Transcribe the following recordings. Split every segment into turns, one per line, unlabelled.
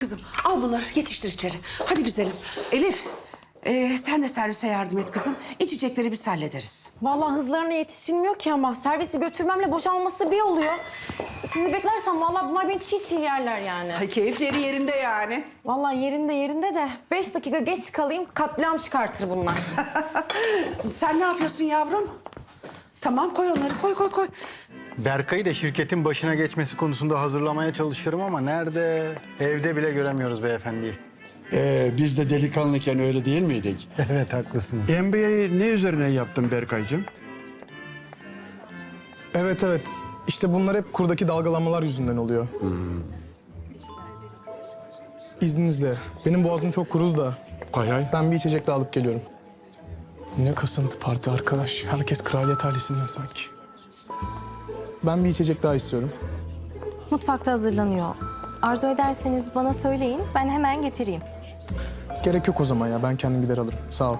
kızım al bunları yetiştir içeri. Hadi güzelim. Elif sen de servise yardım et kızım. İçecekleri biz hallederiz.
Vallahi hızlarına yetişilmiyor ki ama servisi götürmemle boşalması bir oluyor. Sizi beklersem vallahi bunlar beni çiğ çiğ yerler yani.
Ay keyifleri yerinde yani.
Vallahi yerinde de 5 dakika geç kalayım katliam çıkartır bunlar.
Sen ne yapıyorsun yavrum? Tamam koy onları koy.
Berkay'ı da şirketin başına geçmesi konusunda hazırlamaya çalışıyorum ama nerede? Evde bile göremiyoruz beyefendiyi.
Biz de delikanlıken öyle değil miydik?
Evet haklısınız.
MBA'yı ne üzerine yaptın Berkaycığım?
Evet. İşte bunlar hep kurdaki dalgalanmalar yüzünden oluyor. İzninizle. Benim boğazım çok kurudu da.
Hay.
Ben bir içecek daha alıp geliyorum. Ne kasıntı parti arkadaş. Herkes kraliyet ailesinden sanki. Ben bir içecek daha istiyorum.
Mutfakta hazırlanıyor. Arzu ederseniz bana söyleyin, ben hemen getireyim.
Gerek yok o zaman ya. Ben kendim gider alırım. Sağ ol.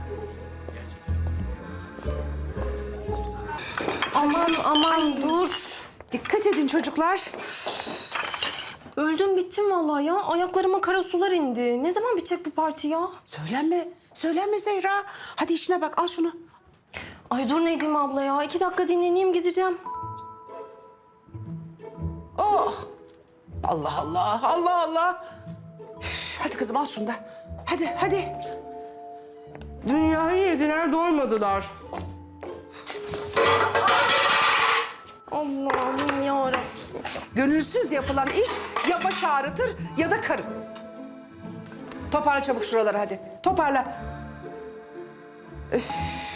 Aman dur.
Dikkat edin çocuklar.
Öldüm bittim vallahi ya. Ayaklarıma kara sular indi. Ne zaman bitecek bu parti ya?
Söylenme Zehra. Hadi işine bak al şunu.
Ay dur Nedim abla ya. 2 dakika dinleneyim gideceğim.
Oh. Allah. Üf, hadi kızım al şunu da. Hadi.
Dünyayı yediler doymadılar. Allah'ım yarabbim.
Gönülsüz yapılan iş ya baş ağrıtır ya da karın. Toparla çabuk şuraları hadi. Toparla. Üf.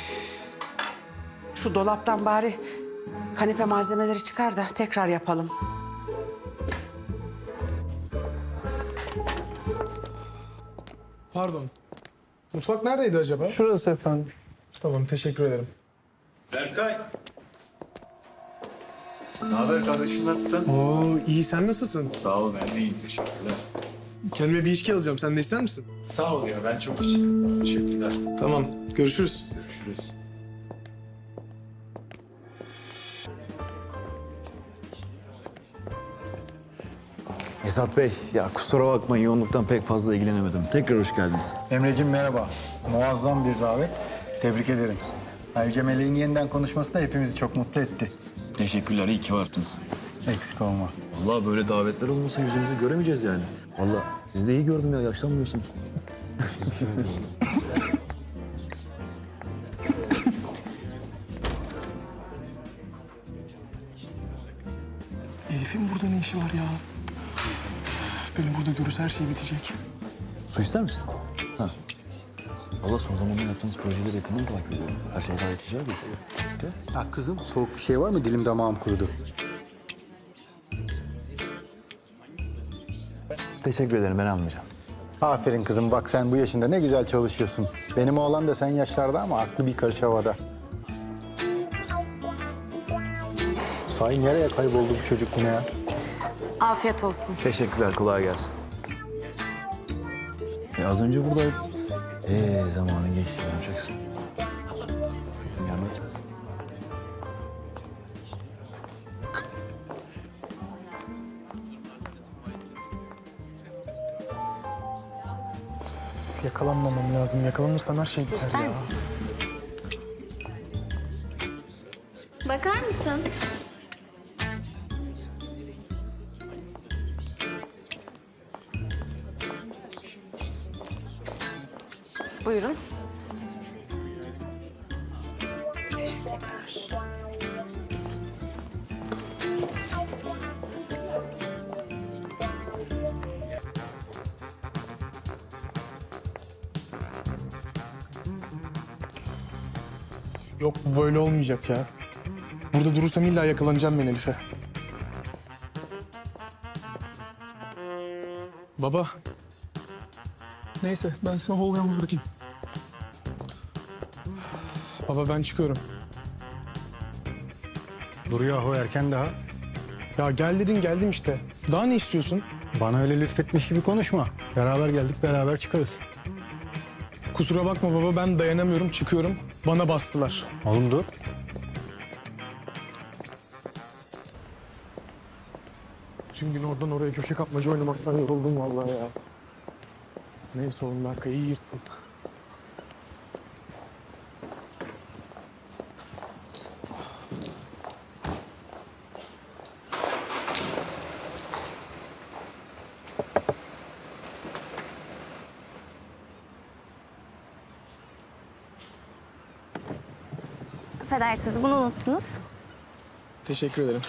Şu dolaptan bari kanepe malzemeleri çıkar da tekrar yapalım.
Pardon. Mutfak neredeydi acaba?
Şurası efendim.
Tamam, teşekkür ederim.
Berkay. Ne haber kardeşim, nasılsın?
Oo, iyi. Sen nasılsın?
Sağ ol, ben de iyiyim, teşekkürler.
Kendime bir içki alacağım. Sen de ister misin?
Sağ ol ya, ben çok içtim. Teşekkürler.
Tamam, görüşürüz.
Görüşürüz.
Esat Bey, ya kusura bakmayın yoğunluktan pek fazla ilgilenemedim. Tekrar hoş geldiniz.
Emreciğim merhaba. Muazzam bir davet. Tebrik ederim. Ayrıca Meleğin yeniden konuşması da hepimizi çok mutlu etti.
Teşekkürler, iyi ki varsınız.
Eksik olma.
Vallahi böyle davetler olmasa yüzünüzü göremeyeceğiz yani. Vallahi sizi de iyi gördüm ya, yaşlanmıyorsunuz.
Elif'in burada ne işi var ya? Beni burada görürse her şey bitecek.
Su ister misin? Ha. Valla son zamanlarda yaptığınız projeleri yakından takip ediyorum. Her şey gayet güzel gözüküyor. Gel.
Ha kızım soğuk bir şey var mı? Dilim damağım kurudu.
Teşekkür ederim, ben almayacağım.
Aferin kızım bak sen bu yaşında ne güzel çalışıyorsun. Benim oğlan da sen yaşlarda ama aklı bir karış havada. Sahi nereye kayboldu bu çocuk yine ya?
Afiyet olsun.
Teşekkürler, kolay gelsin. Az önce buradaydı. Zamanı geçti, ne yapacaksın? Gelmek.
Yakalanmamam lazım. Yakalanırsam her şey biter
İster
ya.
misin? Bakar mısın?
Buyurun.
Yok bu böyle olmayacak ya. Burada durursam illa yakalanacağım ben Elif'e. Baba. Neyse ben seni hol yalnız bırakayım. Baba ben çıkıyorum.
Dur yahu erken daha.
Ya gel dedin geldim işte. Daha ne istiyorsun?
Bana öyle lütfetmiş gibi konuşma. Beraber geldik beraber çıkarız.
Kusura bakma baba ben dayanamıyorum çıkıyorum. Bana bastılar.
Oğlum dur.
Bütün gün oradan oraya köşe kapmaca oynamaktan yoruldum vallahi ya. Neyse oğlum Berkay iyi yırttın.
Affedersiniz, bunu unuttunuz.
Teşekkür ederim.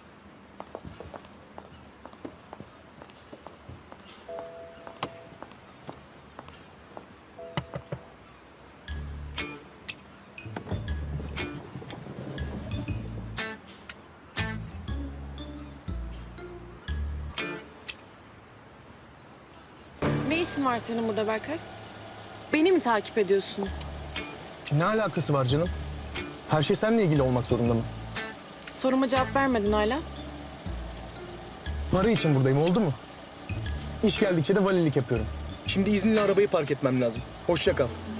Ne işin var senin burada Berkay? Beni mi takip ediyorsun?
Ne alakası var canım? Her şey seninle ilgili olmak zorunda mı?
Soruma cevap vermedin hala.
Para için buradayım, oldu mu? İş geldikçe de valilik yapıyorum. Şimdi izinli arabayı park etmem lazım. Hoşça kal.